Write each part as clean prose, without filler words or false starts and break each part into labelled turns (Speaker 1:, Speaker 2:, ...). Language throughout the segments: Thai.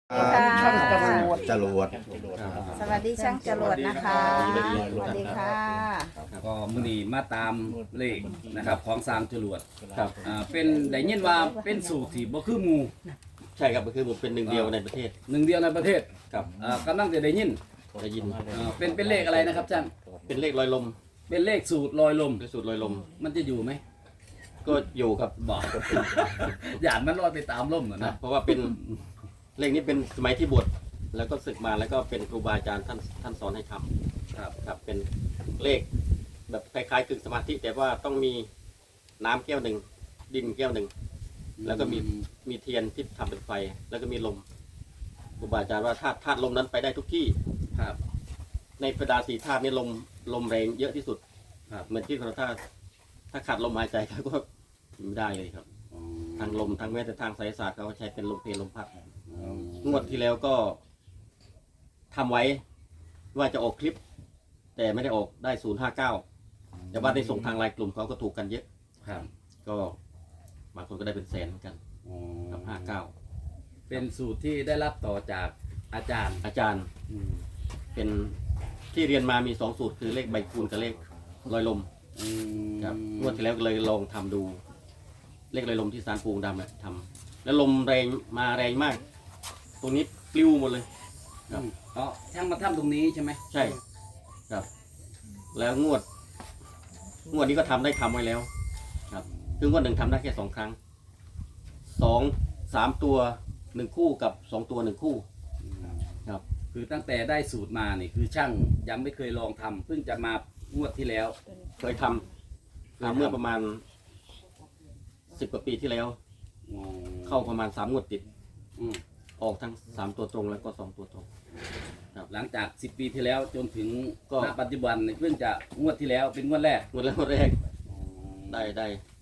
Speaker 1: ช่างจรวด
Speaker 2: สวัสดีช่างจรวดนะคะสวัสดีค่ะ
Speaker 3: ก็มื้อนี้มาตามเลขนะครับของสร้างจรวดครับเป็นได้ยินว่าเป็นสูตรที่บ่คือหมู่
Speaker 1: ใช่ครับก็คือผมเป็นหนึ่งเดียวในประเทศ
Speaker 3: หนึ่งเดียวในประเทศ
Speaker 1: ครับ
Speaker 3: กำลังจะได้ยิน
Speaker 1: ได้ยิน
Speaker 3: เป็นเลขอะไรนะครับอาจารย์
Speaker 1: เป็นเลขลอยลม
Speaker 3: เป็นเลขสูตรลอยลม
Speaker 1: เป็นสูตรลอยลม
Speaker 3: มันจะอยู่ไหม
Speaker 1: ก็อยู่ครับ
Speaker 3: บอก อย่ามันลอยไปตามลมเหรอ
Speaker 1: นะ
Speaker 3: นะ
Speaker 1: เพราะว่าเป็นเลขนี้เป็นสมัยที่บวชแล้วก็ศึกมาแล้วก็เป็นครูบาอาจารย์ท่านสอนให้ทำครับเป็นเลขแบบคล้ายๆกึ่งสมาธิแต่ว่าต้องมีน้ำแก้วหนึ่งดินแก้วหนึ่งแล้วก็มีเทียนที่ทำเป็นไฟ แล้วก็มีลมครูบาอาจารย์ว่าธาตุลมนั้นไปได้ทุกที่
Speaker 3: ครับ
Speaker 1: ในบรรดาสี่ธาตุนี้ลมแรงเยอะที่สุด
Speaker 3: ครับ
Speaker 1: เหมือนที่เราถ้าขาดลมหายใจเขาก็ไม่ได้เลยครับทางลมทางแม้แต่ทางไสยศาสตร์เขาใช้เป็นลมเพลลมพัดงวดที่แล้วก็ทำไว้ว่าจะออกคลิป แต่ไม่ได้ออกได้059แต่ว่าได้ส่งทางไลน์กลุ่มเขาก็ถูกกันเยอะ
Speaker 3: ครับ
Speaker 1: ก็บางคนก็ได้เป็นแสนเหมือนกันกับ
Speaker 3: เป็นสูตรที่ได้รับต่อจากอาจารย์
Speaker 1: อาจารย์เป็นที่เรียนมามี2สูตรคือเลขใบคูณกับเลขลอยลมครับงวดที่แล้วก็เลยลองทำดู เลขลอยลมที่ศาลปูงดำเนี่ยทำแล้วลมแรงมาแรงมาก ตรงนี้ปลิวหมดเลย ครับ
Speaker 3: อ๋อช่างมาทำตรงนี้ใช่ไหม
Speaker 1: ใช่ครับ แล้วงวดนี้ก็ทำไว้แล้ว ครับคืองวดหนึ่งทำได้แค่2 ครั้ง3 ตัว 1 คู่กับ2 ตัว 1 คู่ครับ
Speaker 3: คือตั้งแต่ได้สูตรมานี่คือช่างยังไม่เคยลองทำเพิ่งจะมางวดที่แล้ว
Speaker 1: เคยทำเมื่อประมาณ10 กว่าปีที่แล้ว เข้าประมาณ3 งวดติด ออกทั้ง3 ตัวตรงแล้วก็2 ตัวตรง
Speaker 3: หลังจาก10 ปีที่แล้วจนถึง
Speaker 1: ก็
Speaker 3: ณปัจจุบันนี่เพิ่งจะงวดที่แล้วเป็นงวดแรก
Speaker 1: งวดแรกได้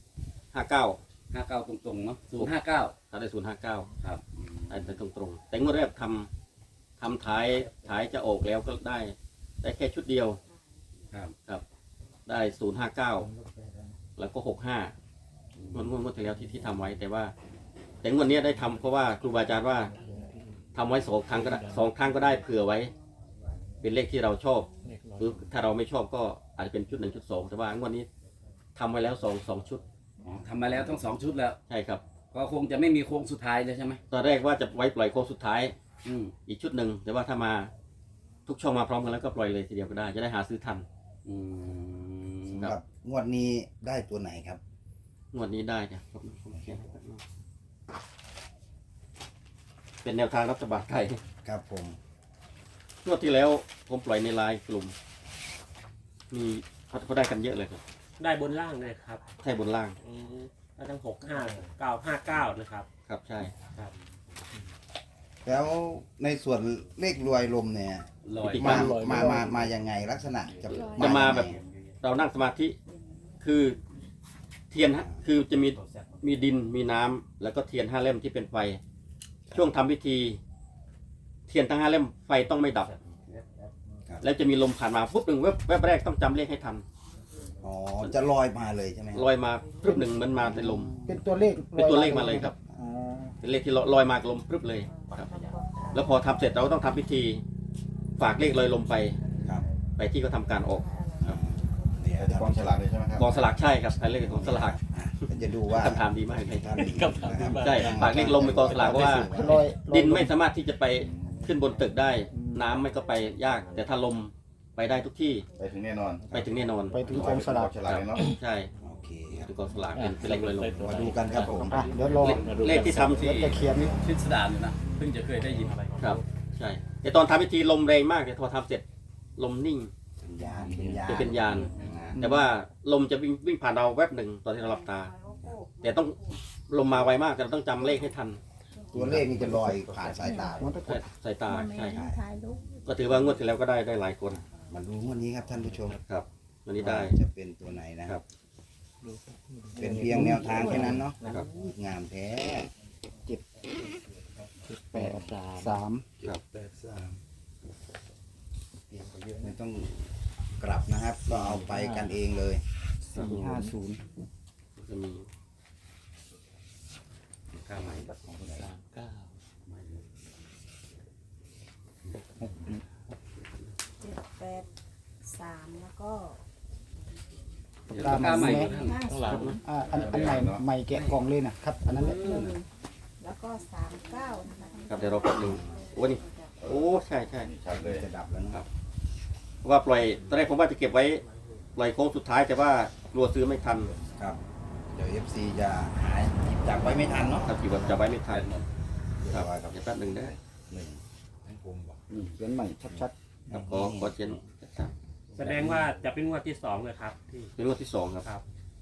Speaker 1: 59
Speaker 3: 59ตรงๆเนาะ059
Speaker 1: ถ้าได้059
Speaker 3: ครับ
Speaker 1: ได้ตรงๆแต่งวดแรกทำถ่ายจะออกแล้วก็ได้แค่ชุดเดียว ครับได้059แล้วก็65งวดที่แล้วที่ทำไว้แต่งวดนี้ได้ทำเพราะว่าครูบาอาจารย์ว่าทำไว้2 ครั้งก็ได้2 ครั้งก็ได้เผื่อไว้ เป็นเลขที่เราชอบหรือถ้าเราไม่ชอบก็อาจจะเป็นชุด1 ชุด 2แต่ว่างวดนี้ทำไว้แล้ว2 ชุด
Speaker 3: ทำมาแล้วทั้ง2 ชุดแล้ว
Speaker 1: ใช่ครับ
Speaker 3: ก็คงจะไม่มีโค้งสุดท้ายเลยใช่ไหม
Speaker 1: ตอนแรกว่าจะไว้ปล่อยโค้งสุดท้าย
Speaker 3: อืม
Speaker 1: อีกชุดหนึ่งแต่ว่าถ้ามาทุกช่องมาพร้อมกันแล้วก็ปล่อยเลยทีเดียวก็ได้จะได้หาซื้อทัน
Speaker 3: อืม
Speaker 1: ครับ
Speaker 4: ครับงวดนี้ได้ตัวไหนครับ
Speaker 1: งวดนี้ได้จ้ะผมเขียนให้แป๊บนึงเป็นแนวทางรัฐบาลไทย
Speaker 4: ครับผม
Speaker 1: งวดที่แล้วผมปล่อยในไลน์กลุ่มมีเขาได้กันเยอะเลยครับ
Speaker 5: ได้บนล่างเลยครับ
Speaker 1: ใช่บนล่าง
Speaker 5: ได้ทั้ง65959นะครับ
Speaker 1: ครับใช่
Speaker 5: ครับ
Speaker 4: แล้วในส่วนเลขรวยลมเนี่ย
Speaker 3: ลอย
Speaker 4: มายังไงลักษณะจะ
Speaker 1: จะมา
Speaker 4: ยังไง
Speaker 1: แบบเรานั่งสมาธิคือเทียนฮะคือจะมีดินมีน้ำแล้วก็เทียน5 เล่มที่เป็นไฟ ช่วงทำพิธี เทียนทั้ง5 เล่มไฟต้องไม่ดับ แล้วจะมีลมผ่านมาปุ๊บหนึ่งแวบแรกต้องจำเลขให้ทัน
Speaker 4: อ๋อจะลอยมาเลยใช่ไหม
Speaker 1: ลอยมาปุ๊บหนึ่งมันมาในลม
Speaker 6: เป็นตัวเลข
Speaker 1: เป็นตัวเลขมาเลยครับ
Speaker 6: อ๋อ
Speaker 1: เป็นเลขที่ลอยมากับลมปุ๊บเลยครับ แล้วพอทำเสร็จเราก็ต้องทำพิธี ฝากเลขลอยลมไป
Speaker 4: ครับ
Speaker 1: ไปที่เขาทำการออก
Speaker 4: เดี๋ยว
Speaker 7: กองฉลากเลยใช่ไหมครับ
Speaker 1: กองสลากใช่ครับใช้เลขของสลาก
Speaker 4: จะดูว่า
Speaker 1: คำถามดีมากเลย
Speaker 4: ท่าน
Speaker 1: ใช่ฝากเลขลมไปกองสลากเพราะว่า
Speaker 6: ลอย
Speaker 1: ดินไม่สามารถที่จะไปขึ้นบนตึกได้ น้ำไม่ก็ไปยาก แต่ถ้าลมไปได้ทุกที่
Speaker 7: ไปถึงแน่นอน
Speaker 1: ไปถึงแน่นอน
Speaker 6: ไปถึงกองสลาก
Speaker 7: ฉลากเลยเนาะ
Speaker 1: ใช่
Speaker 4: โอเคครับ
Speaker 1: คือกองสลากเป็นเลขลอยลม
Speaker 4: มาดูกันครับผม
Speaker 6: อ่ะเดี๋ยวรอ
Speaker 1: เลขที่ทำที่
Speaker 6: เดี๋ยวจะเขียน
Speaker 3: พิสดารอยู่นะเพิ่งจะเคยได้ยิน
Speaker 1: ครับ ใช่แต่ตอนทำพิธีลมแรงมากแต่พอทำเสร็จลมนิ่ง
Speaker 4: เป็นยานเป็นยาน
Speaker 1: จะเป็นยาน แต่ว่าลมจะวิ่งผ่านเราแวบหนึ่งตอนที่เราหลับตา แต่ต้องลมมาไวมากแต่เราต้องจำเลขให้ทัน
Speaker 4: ตัวเลขนี่จะลอยผ่านสายตา
Speaker 6: มันตะก
Speaker 1: ใช่
Speaker 6: ด
Speaker 1: สายตา
Speaker 2: มันไม่
Speaker 1: ใช่
Speaker 2: ได้ถ่ายรูป
Speaker 1: ก็ถือว่างวดที่แล้วก็ได้หลายคน
Speaker 4: มาดูงวดนี้ครับท่านผู้ชม
Speaker 1: ครับวันนี้ได้
Speaker 4: ว่าจะเป็นตัวไหนนะครับ เป็นเพียงแนวทางแค่นั้นเนาะ
Speaker 1: ครับ
Speaker 4: งามแท้
Speaker 6: 8 3
Speaker 1: ครับ
Speaker 4: ไม่ต้องกลับนะครับ ก็เอาไปกันเองเลย
Speaker 6: 4 5 0
Speaker 1: จะมีค่าใหม่
Speaker 6: 3 9
Speaker 2: 3แล้วก็
Speaker 3: เดี๋ยวปากกาใหม่ก็ท่าน
Speaker 1: ข้างหลัง
Speaker 6: อันใหม่ใหม่แกะกล่องเลยนะครับ อันนั้นแหละ
Speaker 2: แล้วก็39นะคะ
Speaker 1: ครับเดี๋ยวเราแป๊บหนึงโอ้นี่โอ้ใช่ใช่
Speaker 4: ชัดเลยจะดับแล้วนะครับ
Speaker 1: เพราะว่าปล่อยตอนแรกผมว่าจะเก็บไว้ปล่อยโค้งสุดท้ายแต่ว่ากลัวซื้อไม่ทัน
Speaker 4: ครับ เดี๋ยว FC จะหาหยิบจับไว้ไม่ทันเนาะ
Speaker 1: ครับที่ว่าจะไว้ไม่ทันครับ
Speaker 4: ครับ
Speaker 1: เดี๋ยวแป๊บหนึงได้
Speaker 4: หนึ่งให้ผมบอก
Speaker 6: นี่เขียนใหม่ชัด
Speaker 1: ครับขอเชียนครับ
Speaker 5: แสดงว่าจะเป็นงวดที่2เลยครับที่
Speaker 1: เป็นงวดที่สองครับ
Speaker 5: ครับ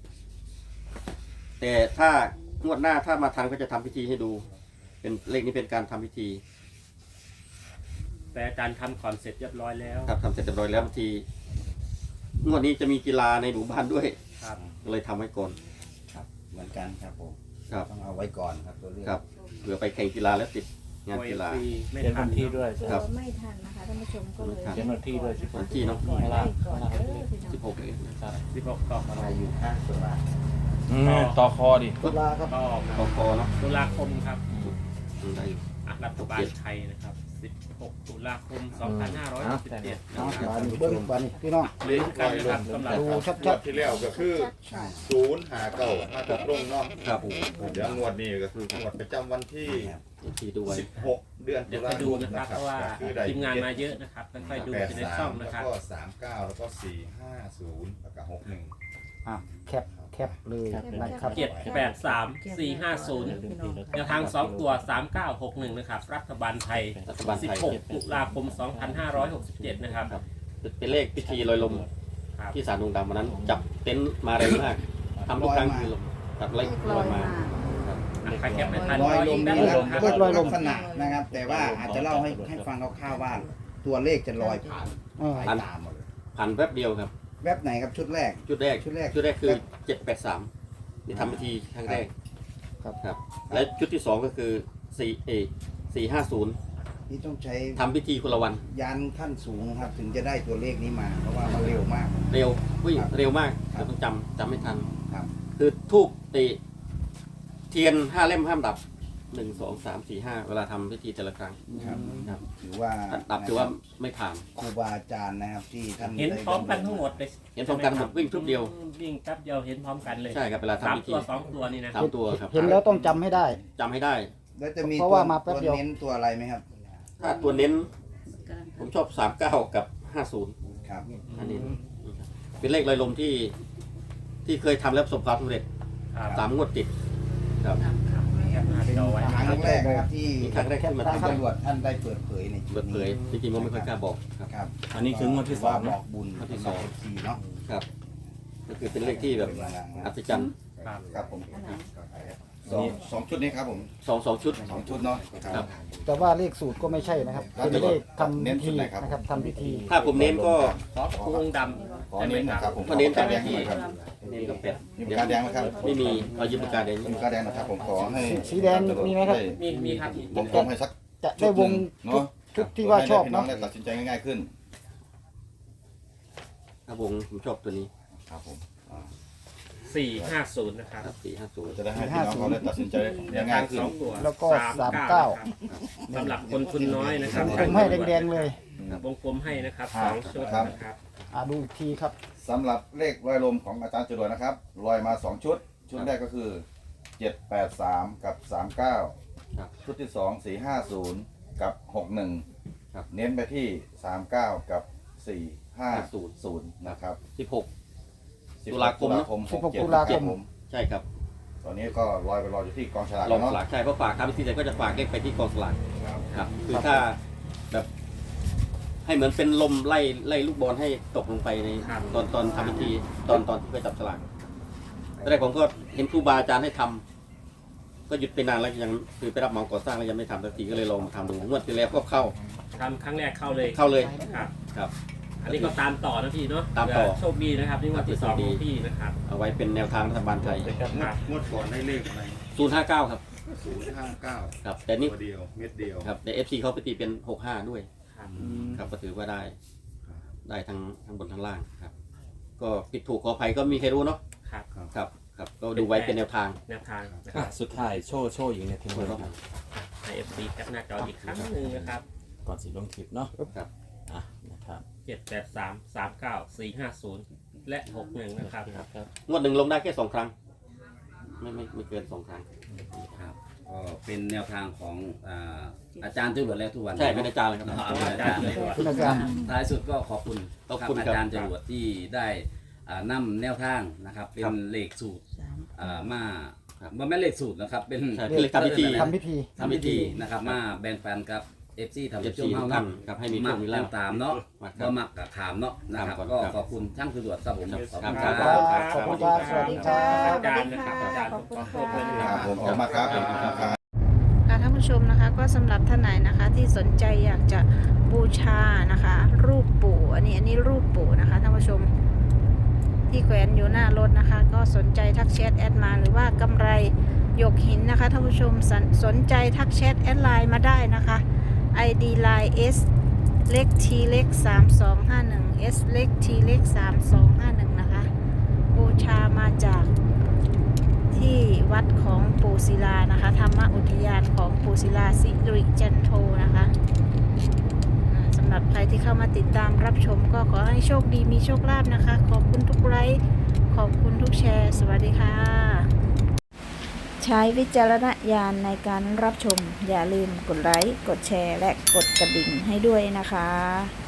Speaker 1: แต่ถ้างวดหน้าถ้ามาทันก็จะทำพิธีให้ดู เป็นเลขนี้เป็นการทำพิธี
Speaker 5: แต่อาจารย์ทำก่อนเสร็จเรียบร้อยแล้ว
Speaker 1: ครับทำเสร็จเรียบร้อยแล้วบางทีงวดนี้จะมีกีฬาในหมู่บ้านด้วย
Speaker 5: ครับ
Speaker 1: ก็เลยทำไว้ก่อน
Speaker 4: ครับเหมือนกันครับผม
Speaker 1: ครับ
Speaker 4: ต้องเอาไว้ก่อนครับตัวเลข
Speaker 1: ครับเผื่อไปแข่งกีฬาแล้วติดงานกีฬา
Speaker 5: ฟรีไม่
Speaker 7: เขียน
Speaker 5: ทั
Speaker 7: วัน นที่ด้วย
Speaker 2: กลั
Speaker 1: ครั
Speaker 2: ว
Speaker 1: บ
Speaker 2: ไม่ทันนะคะท่านผู้ชมก็เลย
Speaker 7: เขียนวันที่ด้วยสิ
Speaker 1: วันที่เนาะ
Speaker 2: ก่อนได้ก่อนเด้อพี่น้อง
Speaker 1: 16เองนะครับ
Speaker 5: 16ต่อ
Speaker 4: อะไรอยู่ข้างตัวละ
Speaker 7: ต่อคอดิ
Speaker 6: ๆตุลาครับ
Speaker 5: ต่อ
Speaker 1: กกเนาะ
Speaker 5: ตุลาคมครับ
Speaker 1: ได้อยู่
Speaker 5: รัฐบาลไทยนะครับ 16 ตุลาคม 2567 นะ
Speaker 6: เอา
Speaker 5: ครับ
Speaker 6: บานนี้เบิ้งบานนี้พี่น้อง
Speaker 5: เล่นกันนะครับสำหรับ
Speaker 6: ดู
Speaker 8: ง
Speaker 6: ชั
Speaker 8: ว
Speaker 6: ด
Speaker 8: ดที่แล้วก็คือ
Speaker 4: ใช่
Speaker 8: 059มาจากลงเนาะ
Speaker 1: ครับ
Speaker 8: เดี๋ยวงวดนี้ก็คืองวดประจำวันที่
Speaker 1: ที่ดูไว้
Speaker 8: 16 เดือน
Speaker 5: เดี๋
Speaker 8: ตุ
Speaker 5: ยว
Speaker 8: ลา
Speaker 5: ไป
Speaker 8: ค
Speaker 5: ดู
Speaker 8: ม
Speaker 5: นะครับ
Speaker 8: นะค
Speaker 5: เพ
Speaker 8: รับ
Speaker 5: ราะว่า
Speaker 8: ก็คือได้
Speaker 5: ทีมงานมาเยอะนะครับค่อยๆดูจะได้ช่อง
Speaker 8: 83
Speaker 5: นะ
Speaker 8: แล้ว
Speaker 5: ครับ
Speaker 8: ก็39แล้วก็450แล้วก็61
Speaker 6: อ่ะแคปเลยนะครับ
Speaker 5: 783 450 แนวทาง 2 ตัว 3961 นะครับ รัฐบาลไทย
Speaker 1: รัฐบาลไทย
Speaker 5: 16 ตุลาคม 2567 นะครับ
Speaker 1: เป็นเลขพิธีลอยลม
Speaker 5: ครับ
Speaker 1: ที่ศาลดวงดำวันนั้น จับเต็นท์มาแรงมากทำทุกครั้งคือลมตัดไล่
Speaker 2: เลข
Speaker 1: ล
Speaker 2: ล
Speaker 1: อ
Speaker 2: อย ย
Speaker 1: มา
Speaker 2: มา
Speaker 5: อ่ะใครแคปไม่ทัน
Speaker 4: ลอยลม
Speaker 5: ได้
Speaker 4: นี่
Speaker 5: เล
Speaker 4: นะ
Speaker 5: ย
Speaker 4: ค
Speaker 5: ค
Speaker 4: รั
Speaker 5: รั
Speaker 4: บบ ลอยลมลักษณะนะครับ แต่ว่าอาจจะเล่าให้ฟังคร่าวๆว่าตัวเลขจะลอยผ่าน
Speaker 6: เออ
Speaker 4: สายตาหมดเลย
Speaker 1: ผ่านแป๊บเดียวครับ
Speaker 4: แวบไหนครับชุดแรก
Speaker 1: ชุดแรก
Speaker 4: ชุดแรก
Speaker 1: คือ 783นี่ทำพิธีครั้งแรก
Speaker 6: ครับ
Speaker 1: ครับ และชุดที่ 2 ก็คือ450
Speaker 4: นี่ต้องใช้
Speaker 1: ทำพิธีคนละวัน
Speaker 4: ยานขั้นสูงครับ ถึงจะได้ตัวเลขนี้มา เพราะว่ามันเร็วมาก
Speaker 1: เร็ววิ่ง
Speaker 4: ครับ
Speaker 1: เร็วมาก
Speaker 4: ครับ
Speaker 1: ต้องจำไม่ทัน
Speaker 4: ครับ
Speaker 1: คือทูบเทียน5 เล่มห้ามดับ 1 2 3 4 5 เวลาทำพิธีแต่ละครั้ง
Speaker 4: ครับ
Speaker 1: ครับ
Speaker 4: ถือว่า
Speaker 1: ถ้าดับถือว่าไม่ผ่าน
Speaker 4: ครูบาอาจารย์นะครับที่ท่าน
Speaker 5: เห็น
Speaker 4: ได้
Speaker 5: พร้อมกันทั้งหมดเลย
Speaker 1: เห็นพร้อมกันหมดวิ่งทุบเดียว
Speaker 5: วิ่งแป๊บเดียวเห็นพร้อมกันเลย
Speaker 1: ใช่ครับเวลา
Speaker 5: สาม
Speaker 1: ทำพิธี
Speaker 5: ตัว2 ตัวนี่นะ
Speaker 1: สามตัวครับ
Speaker 6: เห็นแล้วต้องจำให้ได้
Speaker 1: จำให้ได้
Speaker 4: แล้วจะมี
Speaker 6: เพราะ
Speaker 4: ตัว
Speaker 6: ว่ามาแป๊บ
Speaker 4: ตัว
Speaker 6: เดียว
Speaker 4: เน้นตัวอะไรไหมครับ
Speaker 1: ถ้าตัวเน้น ผมชอบ 39 กับ 50
Speaker 4: ครับ
Speaker 1: อันนี้เป็นเลขลอยลมที่เคยทำแล้วประสบความสำเร็จ
Speaker 5: ครับ
Speaker 1: 3 งวดติดครับ
Speaker 5: แคปหน้าจอไว้
Speaker 4: ครั้งแรกนะครับที่
Speaker 1: นี่ครั้งแรกที่มา
Speaker 4: ท่าน
Speaker 1: ทำ
Speaker 4: ตำรวจท่านได้เปิดเผยในจุ
Speaker 1: เปิ
Speaker 4: ด
Speaker 1: ดเผ
Speaker 4: นี้
Speaker 1: ยจริงๆผมไม่ค่อยกล้าบอกครับ
Speaker 4: ครับ
Speaker 7: อันนี้คืองวดที่สอง
Speaker 4: บ
Speaker 7: นะ
Speaker 4: อกบุญ
Speaker 1: งวดที่
Speaker 4: ส
Speaker 1: ส
Speaker 4: อ
Speaker 1: อง ง
Speaker 4: ทีเนาะ
Speaker 1: ครับ ก็คือเป็นเลขที่แบบอัศจรรย์
Speaker 5: ครับ
Speaker 4: ครับผม
Speaker 2: อันไหน
Speaker 8: สองชุดนี้ครับผม
Speaker 1: 2 ชุด
Speaker 8: สองชุดเนาะ
Speaker 1: ครับ
Speaker 6: แต่ว่าเลขสูตรก็ไม่ใช่นะครับ เป็นเลขทำ
Speaker 8: เน้น
Speaker 6: พิ
Speaker 8: ชุด
Speaker 6: ธี
Speaker 8: ไหนครับ
Speaker 6: นะครับทำพิธี
Speaker 1: ถ้าผมเน้นก็
Speaker 5: ขอพวงดำ
Speaker 8: ขอเน้นนะครับผม
Speaker 1: ก็เน้น
Speaker 8: ปากกาแดงหน่อยครับ
Speaker 1: เน้นกับแปด
Speaker 8: มีปากกาแดงไหมครับ
Speaker 1: ไม่มีเอายืมปากกาแดง
Speaker 8: มีปากกาแดงนะครับผมขอให้
Speaker 6: สีแดงมีไหมครับ
Speaker 5: มีครับ
Speaker 8: วงกลมให้สัก
Speaker 6: จะได้วง
Speaker 8: เนาะ
Speaker 6: ชุดที่ว่าชอบ
Speaker 8: ให้พี่น้อ
Speaker 6: เนาะ
Speaker 8: งได้ตัดสินใจง่ายๆขึ้น
Speaker 1: ครับผมชอบตัวนี้
Speaker 8: ครับผม
Speaker 5: 450 นะครับ
Speaker 1: ครับ450
Speaker 8: จะได้ให้พี่น้องเขาได้ตัดสินใจได้ง่ายขึ้น
Speaker 5: 2 ตัว
Speaker 6: แล้วก็
Speaker 5: 39
Speaker 6: 39
Speaker 5: นะครับสำหรับคนทุนน้อยนะครับ
Speaker 6: ผมให้แดงๆเลย
Speaker 5: วงกลมให้นะครับ2ชุดนะครับ
Speaker 6: ดูอีกทีครับ
Speaker 8: สำหรับเลขลอยลมของอาจารย์จรวดนะครับลอยมา 2 ชุด ชุดแรกก็คือ 783 กับ 39
Speaker 1: ครับ
Speaker 8: ชุดที่ 2 450 กับ 61
Speaker 1: ครับ
Speaker 8: เน้นไปที่ 39 กับ 450 นะครับ
Speaker 1: 16
Speaker 8: 10
Speaker 1: ตุลาคมนะ
Speaker 8: 67
Speaker 6: ตุลาคม
Speaker 8: รับผม
Speaker 1: ใช่ครับ
Speaker 8: ตอนนี้ก็ลอยไปรออยู่ที่กองฉลาก
Speaker 1: ลอง
Speaker 8: เนาะ
Speaker 1: สลากใช่เพราะฝากทำพิธีเสร็จก็จะฝากเลขไปที่กองสลาก
Speaker 8: ครับ
Speaker 1: ครับคือถ้าแบบให้เหมือนเป็นลมไล่ลูกบอลให้ตกลงไปใน
Speaker 5: ครับ
Speaker 1: ตอนทำพิธีตอนที่ไปจับสลากตอนแรกผมก็เห็นครูบาอาจารย์ให้ทำก็หยุดไปนานแล้วยังคือไปรับเหมาก่อสร้างแล้วยังไม่ทำสักทีก็เลยลองมาทำดูงวดที่แล้วก็เข้า
Speaker 5: ทำครั้งแรกเข้าเลย
Speaker 1: เข้าเลย
Speaker 5: ครับ
Speaker 1: ครับ
Speaker 5: อันนี้ก็ตามต่อนะพี่เนาะ
Speaker 1: ตามต่อ
Speaker 5: เผื่โชคดีนะครับนี่งวันที่2ของพี่นะครับ
Speaker 1: เอาไว้เป็นแนวทางรัฐบาลไทย
Speaker 5: ครับ
Speaker 8: งวดก่อนได้เลขอะไร
Speaker 1: 059 ครับ
Speaker 8: 059
Speaker 1: ครับแต่นี่
Speaker 8: ตัวเดียวเม็ดเดียว
Speaker 1: ครับใน FC เขาไปตีเป็น 65 ด้วย
Speaker 5: ครับ
Speaker 1: ครับก็ถือว่าได้ทั้งบนทั้งล่างครับ ก็ผิดถูกขออภัยก็มีใครรู้เนาะ
Speaker 5: ครับ
Speaker 1: ครับครับก็ดูไว้เป็นแนวทาง
Speaker 5: แนวทางนะครับ
Speaker 7: สุดท้ายโชว์อยู่เนี่ยทีมงาน
Speaker 5: ใน FB แคปหน้าจออีกครั้งหนึ่งนะครับ
Speaker 7: ก่อนสิลงคลิปเนาะ
Speaker 1: ครับอ่ะนะครับ
Speaker 5: 783 39 450 และ 61 นะครับ
Speaker 1: งวดหนึ่งลงได้แค่2 ครั้ง ไม่เกิน2 ครั้ง
Speaker 3: ครับก็เป็นแนวทางของอาจารย์จรวดแล้วทุกวัน
Speaker 1: ใช่เป็นอาจารย์เลยครับ
Speaker 3: อาจารย์จรวด
Speaker 6: คุณอาจารย์
Speaker 3: ท้ายสุดก็ขอบคุณ
Speaker 1: ขอบคุณ
Speaker 3: อา
Speaker 1: ครับ
Speaker 3: จารย์จรวดที่ได้นำแนวทางนะครับเป็น
Speaker 1: ครับ
Speaker 3: เลขสูตรมา
Speaker 1: ครับ
Speaker 3: บ่แม่นเลขสูตรนะครับเป็น
Speaker 1: ใช่เป็นเลขทำพิธี
Speaker 6: ทำพิธี
Speaker 3: ทำพิธีนะครับมาแบ่งปันกับ FC ทำ
Speaker 1: เอฟ
Speaker 3: ช่
Speaker 1: ซี
Speaker 3: วง
Speaker 1: ทุ
Speaker 3: เฮาก
Speaker 1: ท่า
Speaker 3: นะ
Speaker 1: นครับให้มีโช
Speaker 3: มั
Speaker 1: ค
Speaker 3: ก
Speaker 1: มี
Speaker 3: แล้
Speaker 1: ลาว ภ
Speaker 3: ตามเนาะ
Speaker 1: มักค
Speaker 3: ก็
Speaker 1: รับ
Speaker 3: มักกับถามเนาะนะครับ
Speaker 1: ครับ
Speaker 3: ก็
Speaker 1: ครับ
Speaker 3: ขอบคุณช่างจรวดครับผม
Speaker 1: ครับ
Speaker 3: ขอบคุณ
Speaker 1: ครับ
Speaker 6: ขอบคุณครับสวัสดีครับ
Speaker 5: อาจารย์นะครับอาจารย์
Speaker 2: ขอบคุณ
Speaker 5: ขอบคุณ
Speaker 2: ค่ะ
Speaker 8: ครับผมออกมาครับขอบคุณครับ
Speaker 2: ค่ะท่านผู้ชมนะคะก็สำหรับท่านไหนนะคะที่สนใจอยากจะบูชานะคะ รูปปู่อันนี้รูปปู่นะคะท่านผู้ชมที่แขวนอยู่หน้ารถนะคะ ก็สนใจทักแชทแอดมาหรือว่ากำไรหยกหินนะคะท่านผู้ชมสนใจทักแชทแอดไลน์มาได้นะคะ ID line S เล็ก T เล็ก3251 S เล็ก T เล็ก3251นะคะบูชามาจากที่วัดของปู่ศิลานะคะธรรมอุทยานของปู่ศิลาสิริจันโทนะคะสำหรับใครที่เข้ามาติดตามรับชมก็ขอให้โชคดีมีโชคลาภนะคะขอบคุณทุกไลค์ขอบคุณทุกแชร์สวัสดีค่ะ ใช้วิจารณญาณในการรับชมอย่าลืมกดไลค์กดแชร์และกดกระดิ่งให้ด้วยนะคะ